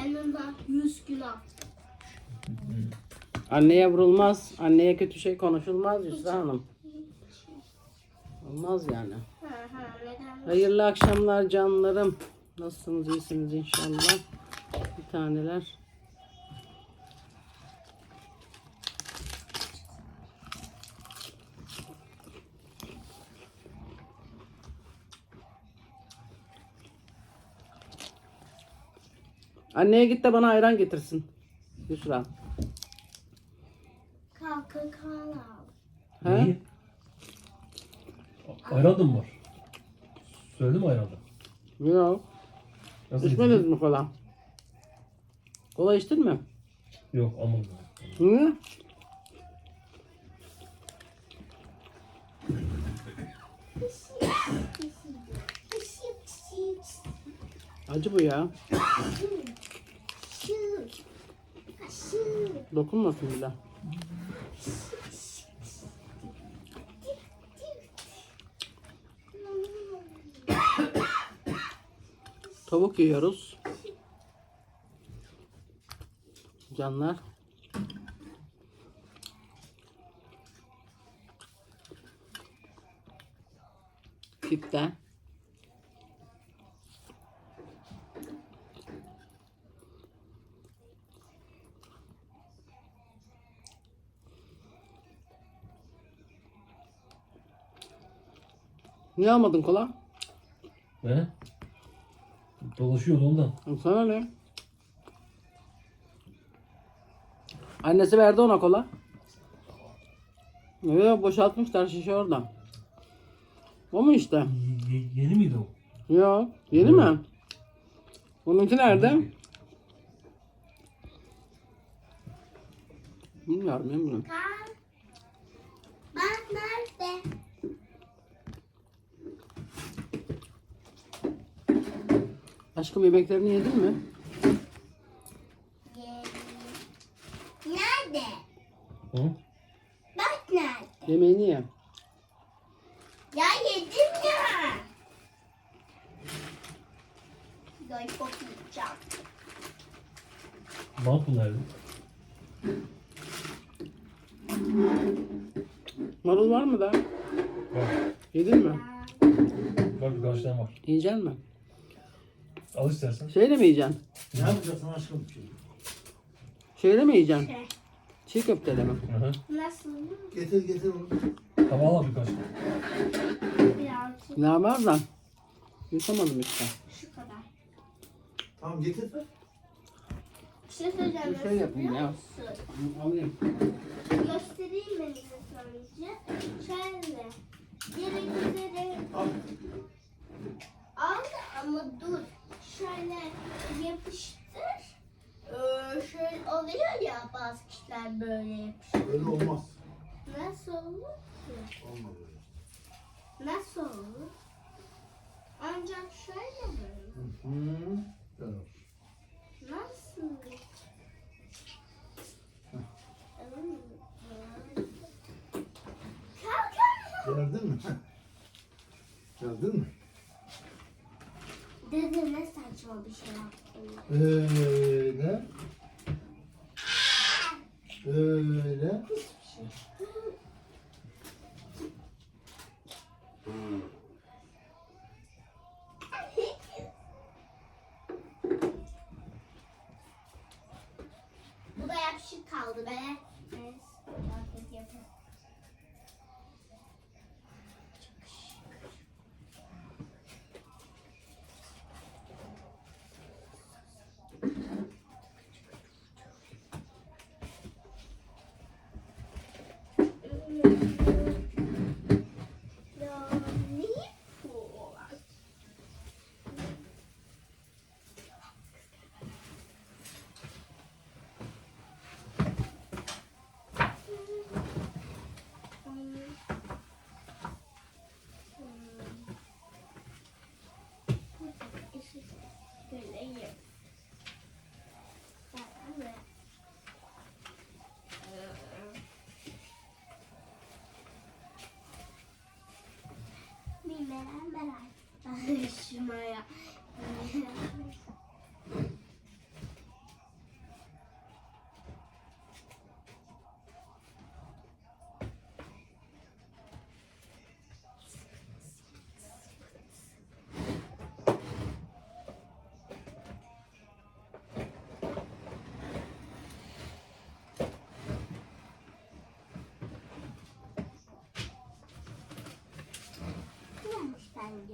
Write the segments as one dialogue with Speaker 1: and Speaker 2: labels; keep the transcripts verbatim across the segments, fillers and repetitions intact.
Speaker 1: Benim var yüz kilo.
Speaker 2: Anneye vurulmaz. Anneye kötü şey konuşulmaz Yusra Hanım. Olmaz yani.
Speaker 1: Ha ha neden?
Speaker 2: Hayırlı akşamlar canlarım. Nasılsınız? İyisiniz inşallah. Bir taneler. Anneye git de bana ayran getirsin. Yusra.
Speaker 1: Kalkın kala.
Speaker 2: He?
Speaker 3: Neyi? Ayran da mı var? Söyledim mi ayranda?
Speaker 2: Yok.
Speaker 3: Nasıl
Speaker 2: İçmediniz
Speaker 3: getirdin?
Speaker 2: mi kola? Kola içtin mi?
Speaker 3: Yok almadım.
Speaker 2: Niye? Acı bu ya. Dokunmasın bile. Tavuk yiyoruz. Canlar. Tipte. Niye almadın kola?
Speaker 3: Ne? Dolaşıyordu ondan.
Speaker 2: Sana ne? Annesi verdi ona kola. Evet, boşaltmışlar şişe orada. O mu işte?
Speaker 3: Y- ye- yeni miydi o?
Speaker 2: Yok. Yeni
Speaker 3: Evet.
Speaker 2: mi? Onunki nerede? Bilmiyorum, bilmiyorum.
Speaker 1: Kalk. Bak nerede?
Speaker 2: Aşkım yemeklerini yedin mi?
Speaker 1: Nerede?
Speaker 3: Hı?
Speaker 1: Bak nerede?
Speaker 2: Yemeğini ye.
Speaker 1: Ya yedim ya. Lollipop yiyeceğim.
Speaker 3: Bant mı nerede?
Speaker 2: Marul var mı da?
Speaker 3: Var.
Speaker 2: Yedin mi?
Speaker 3: Var birkaç tane var.
Speaker 2: Yiyecek mi?
Speaker 3: Al istersen.
Speaker 2: Şeyle mi yiyeceksin?
Speaker 4: Ne yapacaksın aşkım?
Speaker 2: Şeyle mi yiyeceksin?
Speaker 1: Şey,
Speaker 2: Çiğ köfteyle mi?
Speaker 3: Hı hı.
Speaker 1: nasıl?
Speaker 4: Getir getir onu.
Speaker 3: Tamam al birkaç.
Speaker 1: Birazcık
Speaker 2: Ne var da? Yutamadım işte.
Speaker 1: şu kadar.
Speaker 4: Tamam getir de.
Speaker 1: Bir şey söyleyeceğim.
Speaker 2: Bir şey
Speaker 1: nasıl
Speaker 2: yapayım
Speaker 1: biliyor
Speaker 2: ya.
Speaker 1: musun?
Speaker 2: Alayım.
Speaker 1: Göstereyim ben size önce. Şöyle. Geri geri.
Speaker 4: Al.
Speaker 1: Al ama dur. Şöyle yapıştır. Ee, şöyle oluyor ya bazı kişiler böyle yapıştır.
Speaker 4: Öyle olmaz.
Speaker 1: Nasıl olur ki?
Speaker 4: Olmaz öyle.
Speaker 1: Nasıl olur? Ancak şöyle böyle.
Speaker 4: Hı. Evet.
Speaker 1: Nasıl? Kalk.
Speaker 4: Geldin mi? Geldin mi?
Speaker 1: Dede ne saçma bir şey yaptın.
Speaker 4: Öyle. Öyle.
Speaker 1: Bu da yapışık kaldı be. Neyse. Artık yapalım. Ya ne bu?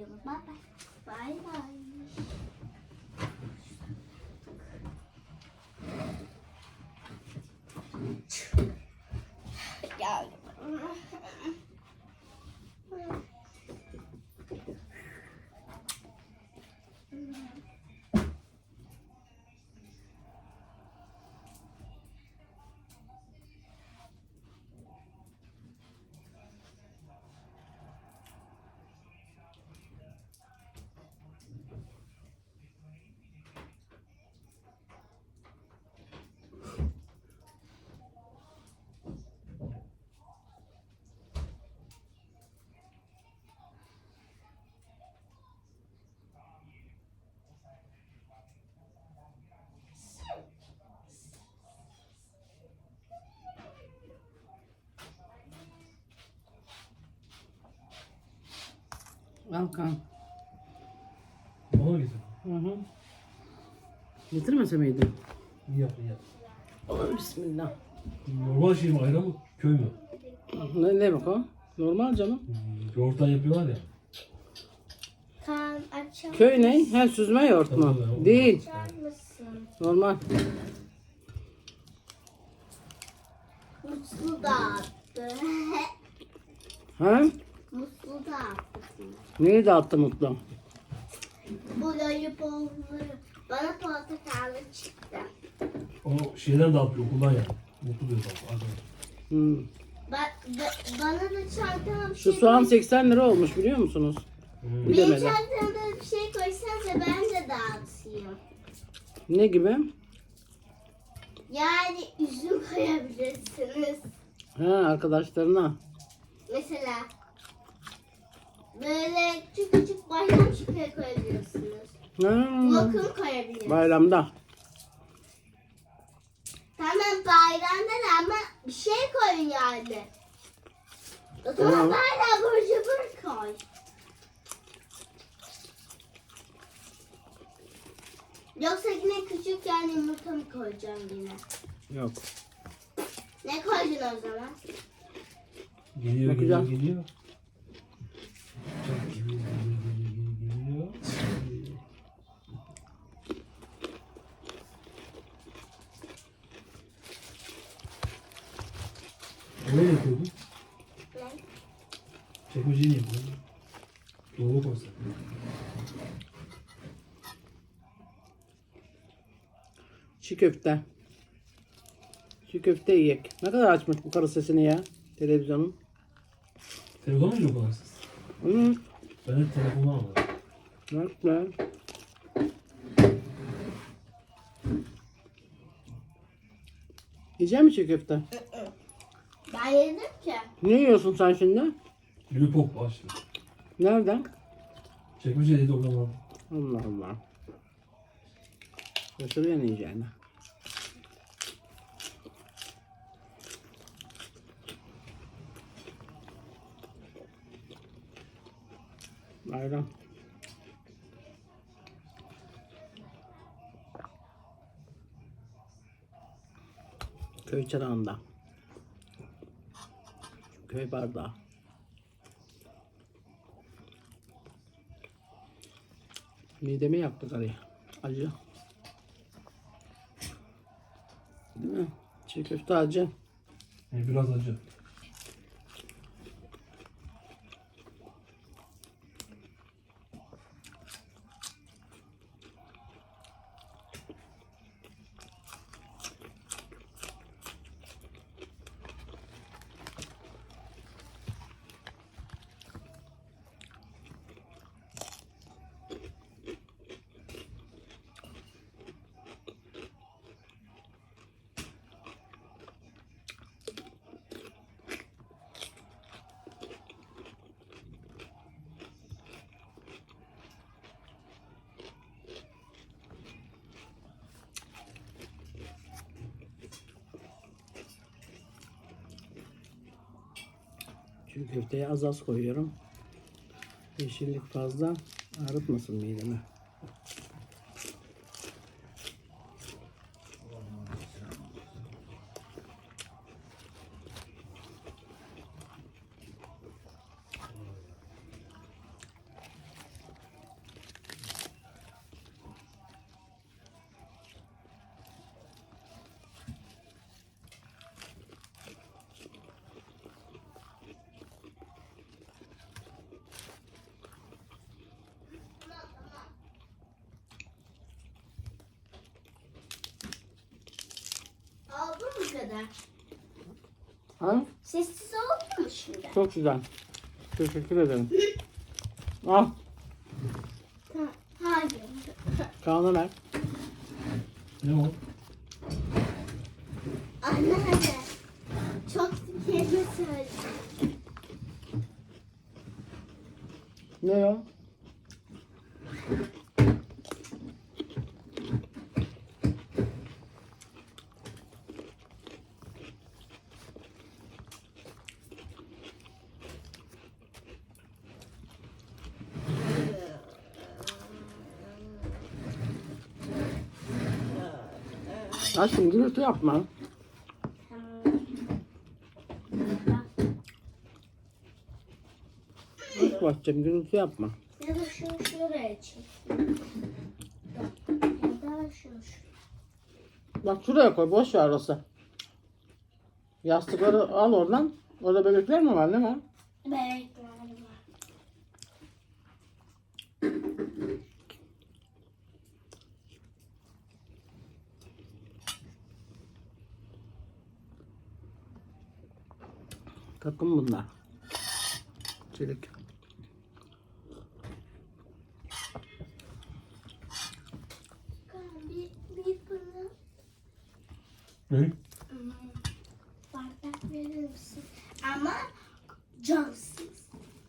Speaker 1: videomuz. Bye bye. Bye bye. Geldim.
Speaker 2: Al kan.
Speaker 3: Bana mı getirdin?
Speaker 2: Hı hı. Getirmese miydin?
Speaker 3: İyi yaptın ya.
Speaker 2: Aman bismillah.
Speaker 3: Normal şey mi? Ayran mı? Köy mü?
Speaker 2: Ne, ne bak o? Normal canım.
Speaker 3: Hmm, yoğurttan yapıyorlar ya.
Speaker 1: Kan açar,
Speaker 2: Köy ne? He, süzme yoğurt mu?
Speaker 3: Tabii, tabii.
Speaker 2: Değil.
Speaker 1: açar mısın?
Speaker 2: Normal.
Speaker 1: Muslu dağıttı.
Speaker 2: Ha?
Speaker 1: Muslu dağıttı.
Speaker 2: Neyi dağıttı Mutlu?
Speaker 1: Bu lollipopları bana portakallı çıktı.
Speaker 3: O şeyden dağıtıyor okuldan ya. Mutlu diyor bak.
Speaker 2: Hmm.
Speaker 1: Ba ba- bana da çantama bir
Speaker 2: Şu
Speaker 1: şey
Speaker 2: soğan
Speaker 1: koy-
Speaker 2: seksen lira olmuş biliyor musunuz?
Speaker 3: Hmm.
Speaker 2: Bir
Speaker 1: Benim
Speaker 2: demedi.
Speaker 1: çantamda bir şey koysanıza ben de dağıtayım.
Speaker 2: Ne gibi?
Speaker 1: Yani üzüm koyabilirsiniz.
Speaker 2: Ha, arkadaşlarına.
Speaker 1: Mesela böyle küçük küçük bayram çikolata koyabiliyorsunuz.
Speaker 2: Ha.
Speaker 1: Lokum koyabilirsiniz.
Speaker 2: Bayramda.
Speaker 1: Tamam bayramda da ama bir şey koyun yani. O zaman
Speaker 2: Tamam.
Speaker 1: bayram abur cubur koy. Yoksa yine küçük yani yumurta mı koyacağım yine?
Speaker 2: Yok.
Speaker 1: Ne koydun o zaman?
Speaker 3: Geliyor, geliyor,
Speaker 2: Bakacağım.
Speaker 3: geliyor. Çok geliyor, geliyor, geliyor, geliyor. Nereye yapıyordun?
Speaker 1: Ne?
Speaker 3: Çekmeceyi mi yapıyordun? Dolaba koysak.
Speaker 2: Çiğ köfte. Çiğ köfte yiyek. Ne kadar açmış bu karı sesini ya. Televizyonun.
Speaker 3: Telefon mu yok olan siz?
Speaker 2: Hı.
Speaker 3: Ben hep telefondan alırım.
Speaker 2: Bak be. Yiyecek misin çiğ köfte?
Speaker 1: Ben yedim ki.
Speaker 2: Ne yiyorsun sen şimdi?
Speaker 3: Lollipop açtı.
Speaker 2: Nereden?
Speaker 3: Çekmecedeydi oradan aldım.
Speaker 2: Allah Allah. Şaşırıyor ne yiyeceğini. Bayram. Köy çırağında. Köy bardağı. Midemi yaktı karıya. Acı. Değil mi? Çiğ köfte acı.
Speaker 3: Yani biraz acı.
Speaker 2: Çiğ köfteye az az koyuyorum. Yeşillik fazla ağrıtmasın midemi.
Speaker 1: kadar.
Speaker 2: Ha?
Speaker 1: Sessiz oldu mu şimdi?
Speaker 2: Çok güzel. Teşekkür ederim. Al.
Speaker 1: Ha, hayır.
Speaker 2: Kaan'a ver.
Speaker 3: Ne o?
Speaker 1: Anneanne. Çok kelime söyledim.
Speaker 2: Ne o? Aşkım gürültü yapma. Aşk bakacağım gürültü yapma.
Speaker 1: Ya da şunu şuraya çek. Ya da şunu şuraya.
Speaker 2: Bak şuraya koy boş ver orası. Yastıkları al oradan. Orada bebekler mi var ne var?
Speaker 1: Bebekler var.
Speaker 2: Takım bunlar. Çelik.
Speaker 1: Bir, bir bana
Speaker 3: Ne?
Speaker 1: hmm, bardak verir misin? Ama camsız.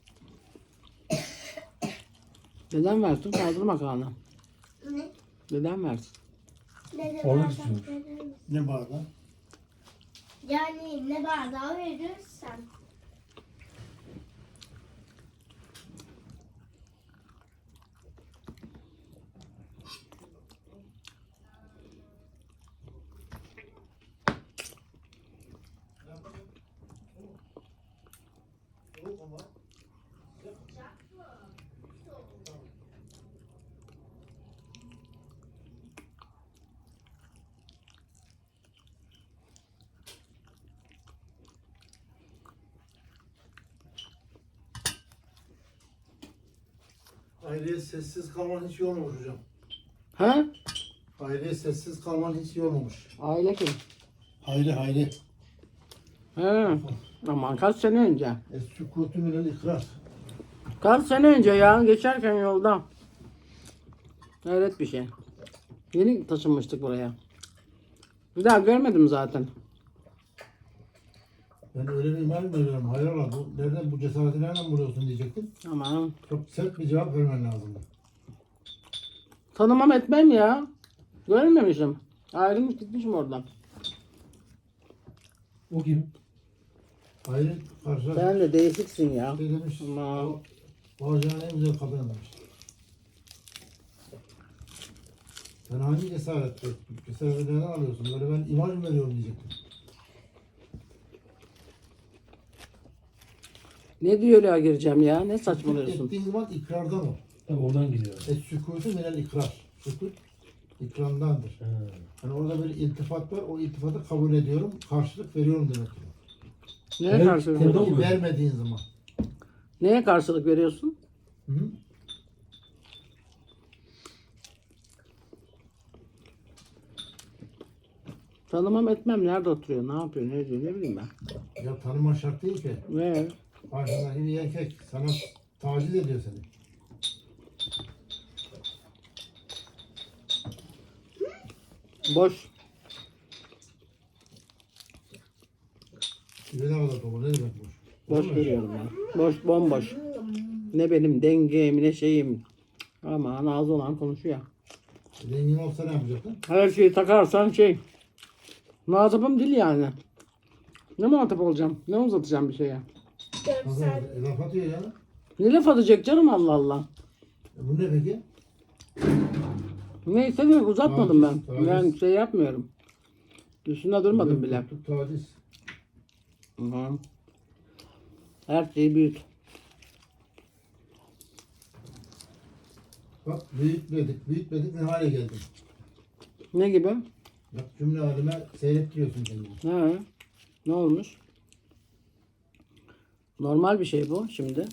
Speaker 2: Neden versin? Kaldırma Kaan'a.
Speaker 1: Ne?
Speaker 2: Neden versin?
Speaker 1: Ne de
Speaker 3: Orada
Speaker 1: bardak
Speaker 3: tutuyormuş.
Speaker 1: verir misin?
Speaker 4: Ne bardağı?
Speaker 1: Yani ne bardağı verirsen.
Speaker 4: Aileye sessiz kalman hiç iyi olmamış hocam.
Speaker 2: He?
Speaker 4: Aileye sessiz kalman hiç iyi olmamış.
Speaker 2: Aile kim?
Speaker 4: Hayri hayri.
Speaker 2: He. Aman kaç sene önce.
Speaker 4: Es-sükutu minel ikrar.
Speaker 2: Kaç sene önce ya geçerken yolda. Evet bir şey. Yeni taşınmıştık buraya. Bir daha görmedim zaten.
Speaker 4: Ben öyle bir imal mi veriyorum? Hayrola bu, nereden bu cesareti nereden buluyorsun diyecektim.
Speaker 2: Aman.
Speaker 4: Çok sert bir cevap vermen lazımdı.
Speaker 2: Tanımam etmem ya. Görmemişim. Ayrılmış gitmişim oradan.
Speaker 3: O kim?
Speaker 4: Hayri karşı
Speaker 2: Sen de değişiksin ya.
Speaker 4: şey demiş.
Speaker 2: Aman.
Speaker 4: Bağcıların en güzel kadını demiş. Sen hangi cesaretle, cesareti nereden alıyorsun? Böyle ben imaj mı veriyorum diyecektim.
Speaker 2: Ne diyaloğa gireceğim ya? Ne saçmalıyorsun?
Speaker 4: Ettiğin zaman ikrardan ol.
Speaker 3: Tabii oradan geliyor.
Speaker 4: Es-sükutu minel ikrar. Sükut ikramdandır.
Speaker 3: Ha.
Speaker 4: Yani orada bir iltifat var. O iltifatı kabul ediyorum. Karşılık veriyorum demek.
Speaker 2: Neye
Speaker 3: Evet,
Speaker 2: karşılık
Speaker 3: burada
Speaker 2: veriyorsun?
Speaker 3: mı?
Speaker 4: Vermediğin zaman.
Speaker 2: Neye karşılık veriyorsun?
Speaker 4: Hı -hı.
Speaker 2: Tanımam etmem. Nerede oturuyor? Ne yapıyor? Ne diyor? Ne bileyim ben.
Speaker 4: Ya tanıman şart değil ki.
Speaker 2: Ne?
Speaker 4: Karşındaki bir erkek sana taciz ediyor seni.
Speaker 2: Boş.
Speaker 4: Bir ne kadar dolu ne demek boş?
Speaker 2: Boş görüyorum ben. Boş, bomboş. Ne benim dengem, ne şeyim. Aman ağzı olan konuşuyor.
Speaker 4: Zengin olsa ne yapacaktın?
Speaker 2: Her şeyi takarsan şey. Muhatabım dil yani. Ne muhatap olacağım? Ne uzatacağım bir şeye?
Speaker 4: Nasıl
Speaker 1: Görsel.
Speaker 4: e, laf atıyor ya.
Speaker 2: Ne laf atacak canım Allah Allah.
Speaker 4: E, bu ne peki?
Speaker 2: Neyse de uzatmadım ben.
Speaker 4: Taciz,
Speaker 2: Ben
Speaker 4: taciz.
Speaker 2: şey yapmıyorum. Üstünde durmadım bile.
Speaker 4: Yok, taciz.
Speaker 2: Hı. Her şeyi büyüt.
Speaker 4: Bak büyütmedik, büyütmedik ne hale geldim.
Speaker 2: Ne gibi?
Speaker 4: Bak cümle halime seyrettiriyorsun kendini.
Speaker 2: Ha. Ne olmuş? Normal bir şey bu şimdi.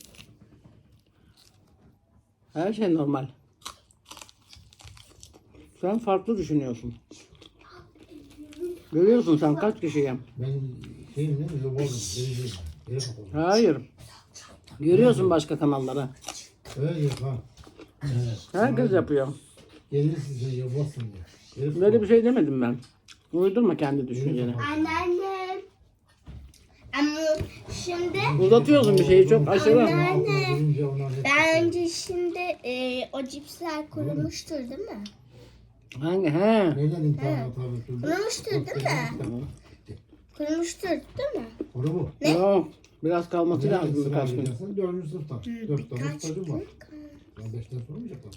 Speaker 2: Her şey normal. Sen farklı düşünüyorsun. Görüyorsun sen kaç kişiye?
Speaker 4: Ben şeyim değil mi? Yobazım. Denizliyim. Yere kapalı.
Speaker 2: Hayır. Görüyorsun başka kanalları.
Speaker 4: Öyle yok ha.
Speaker 2: Herkes yapıyor.
Speaker 4: Gelirsin sen yobazsın diye. Yere kapalı.
Speaker 2: Böyle bir şey demedim ben. Uydurma kendi düşünceni.
Speaker 1: Anneannem. Ama şimdi
Speaker 2: Uzatıyorsun bir şeyi çok aşırı.
Speaker 1: Anneanne.
Speaker 4: Durunca onlar hep-
Speaker 1: ben önce şimdi e, o cipsler kurumuştur değil mi?
Speaker 2: Hangi? He.
Speaker 4: Neden imtihanı tabi türlü?
Speaker 1: Kurumuştur değil mi? Kurumuştur değil mi?
Speaker 4: Onu bu.
Speaker 1: Ne?
Speaker 2: Yok. Biraz kalması
Speaker 4: Nereden
Speaker 2: lazım
Speaker 4: sıra
Speaker 2: birkaç gün.
Speaker 4: alacaksın? Dördüncü sınıftan. Dört tane
Speaker 1: Birkaç
Speaker 4: stajım var.
Speaker 1: gün.
Speaker 4: Ben beşten sormayacaklar.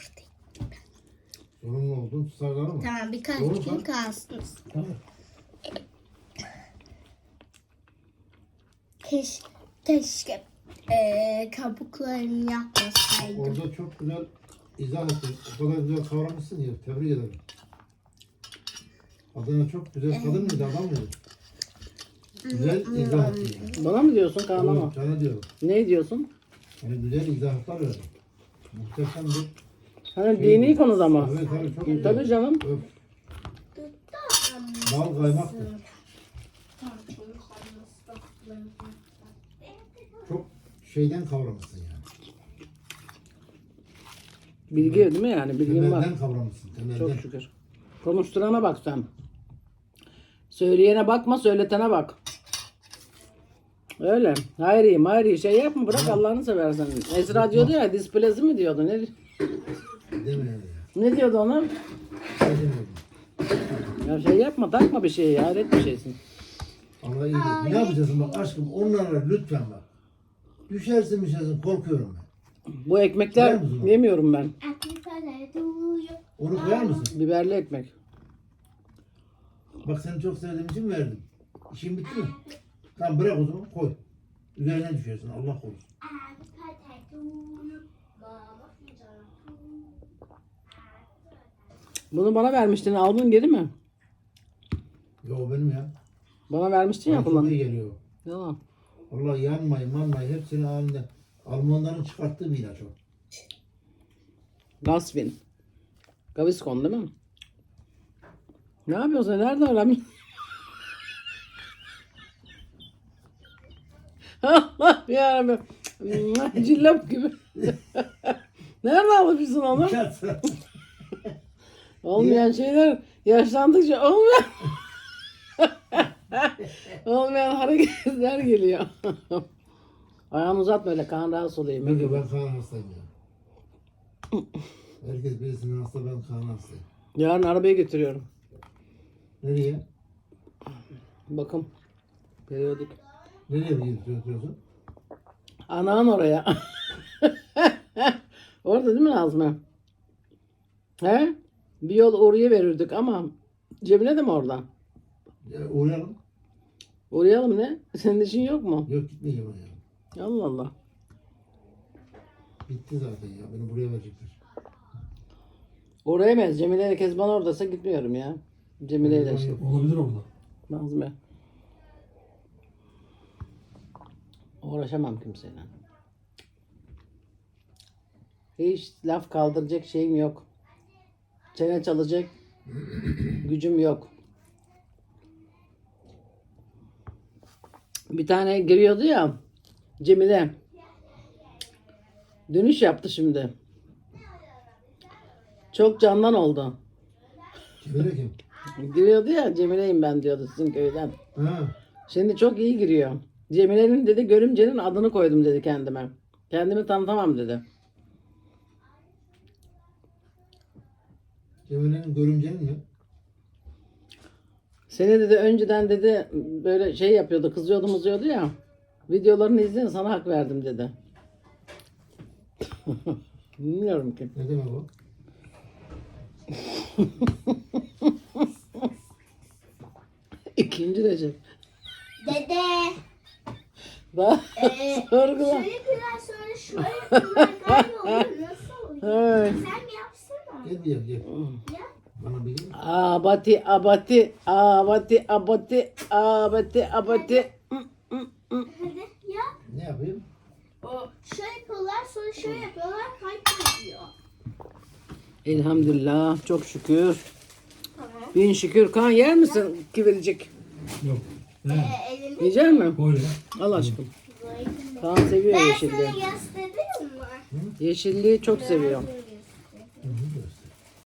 Speaker 4: Sorumlu olduğun tutarları mı?
Speaker 1: Tamam birkaç
Speaker 4: Doğru,
Speaker 1: gün
Speaker 4: tamam.
Speaker 1: kalsın.
Speaker 4: Tamam.
Speaker 1: Keşke, keşke e, kabuklarını yapmasaydım.
Speaker 4: Orada çok güzel izah ettin. O kadar güzel kavramışsın ya. Tebrik ederim. Adana çok güzel kadın mıydı, adam mıydı? Güzel izah ettin yani.
Speaker 2: Bana mı diyorsun Kaan'a mı?
Speaker 4: Oğlum, sana diyorum.
Speaker 2: Ne diyorsun?
Speaker 4: Yani güzel izahlar verdin. Muhteşem bir...
Speaker 2: Hani dini konuda mı?
Speaker 4: Evet tabii çok güzel.
Speaker 2: Tabii canım.
Speaker 4: Öf. Bal kaymaktı. Çok şeyden kavramışsın yani.
Speaker 2: Bilgi değil mi yani? Bilgin var.
Speaker 4: Temelden kavramışsın. Temelden.
Speaker 2: Çok şükür. Konuşturana bak sen. Söyleyene bakma, söyletene bak. Öyle. Hayri, hayri şey yapma, bırak Allah'ını seversen. Esra diyordu ya, displezi mi diyordu? Ne,
Speaker 4: Demiyorum ya.
Speaker 2: ne diyordu ona?
Speaker 4: Şey demiyordum.
Speaker 2: Ya şey yapma, takma bir şeyi, hayret bir şeysin.
Speaker 4: Allah iyi değil. Ne yapacaksın bak aşkım onlarla lütfen bak. Düşersin düşersin korkuyorum ben.
Speaker 2: Bu ekmekler
Speaker 4: Biliyor musun?
Speaker 2: yemiyorum ben.
Speaker 4: Onu koyar mısın?
Speaker 2: Biberli ekmek.
Speaker 4: Bak seni çok sevdiğim için verdim. İşin bitti mi? Tamam bırak o zaman koy. Üzerine düşersin Allah korusun.
Speaker 2: Bunu bana vermiştin, aldın geri mi?
Speaker 4: Ya o benim ya.
Speaker 2: Bana vermiştin ya
Speaker 4: Bana çok
Speaker 2: kullan.
Speaker 4: iyi geliyor.
Speaker 2: Yalan.
Speaker 4: Vallahi yanmayı manmayı hepsini halinde. Almanların çıkarttığı bir ilaç o.
Speaker 2: Gasvin. Gaviscon değil mi? Ne yapıyorsun? Nereden öğrenmiş? Allah yarabbim. Cillop gibi. Nereden almışsın onu? Olmayan şeyler yaşlandıkça olmayan olmayan hareketler geliyor. Ayağını uzatma öyle, kan rahatsız olayım.
Speaker 4: Ben de ben kan hastayım ya. Herkes birisinin hasta ben kan hastayım.
Speaker 2: Yarın arabayı götürüyorum.
Speaker 4: Nereye?
Speaker 2: Bakın. Periyodik.
Speaker 4: Nereye götürüyorsun?
Speaker 2: Anan oraya. Orada değil mi Nazmi? He? Bir yol oraya verirdik ama cebine de mi orada?
Speaker 4: Ya, uğrayalım.
Speaker 2: Uğrayalım ne? Senin işin yok mu?
Speaker 4: Yok gitmeyeceğim ya.
Speaker 2: Allah Allah.
Speaker 4: Bitti zaten ya. Beni buraya verecekler.
Speaker 2: Oraya mı? Cemile ile Kezban oradaysa gitmiyorum ya. Cemile ile şey.
Speaker 3: Olabilir orada.
Speaker 2: Nazmi. Uğraşamam kimseyle. Hiç laf kaldıracak şeyim yok. Çene çalacak gücüm yok. Bir tane giriyordu ya Cemile. Dönüş yaptı şimdi. Çok candan oldu.
Speaker 4: Cemile kim?
Speaker 2: Giriyordu ya Cemile'yim ben diyordu sizin köyden.
Speaker 4: Ha.
Speaker 2: Şimdi çok iyi giriyor. Cemile'nin dedi görümcenin adını koydum dedi kendime. Kendimi tanıtamam dedi.
Speaker 4: Cemile'nin görümcenin mi?
Speaker 2: Seni dedi önceden dedi böyle şey yapıyordu, kızıyordu mızıyordu ya. Videolarını izleyin sana hak verdim dedi. Bilmiyorum ki.
Speaker 4: Ne demek o?
Speaker 2: İkinci Recep.
Speaker 1: Dede.
Speaker 2: Daha
Speaker 1: Ee,
Speaker 2: sorgula.
Speaker 1: şöyle biraz sonra şöyle yapıyorlar galiba olur. Nasıl oluyor?
Speaker 2: Evet.
Speaker 1: Sen mi yapsana?
Speaker 4: Gel gel gel.
Speaker 1: Ya.
Speaker 4: Bana bir gel.
Speaker 2: Abati abati abati abati abati abati.
Speaker 1: Hadi ya.
Speaker 4: Ne yapayım?
Speaker 1: O şöyle yapıyorlar sonra şöyle yapıyorlar kaybediyor.
Speaker 2: Elhamdülillah çok şükür.
Speaker 1: Tamam.
Speaker 2: Bin şükür. Kaan yer misin kivircik?
Speaker 3: Yok.
Speaker 1: Ee,
Speaker 3: Ne?
Speaker 1: elini
Speaker 2: Yiyecek misin?
Speaker 3: Koy ya.
Speaker 2: Al aşkım.
Speaker 1: koydum.
Speaker 2: Kaan seviyor
Speaker 1: Ben
Speaker 2: yeşilliği.
Speaker 1: sana göstereyim mi?
Speaker 2: Yeşilliği çok seviyor.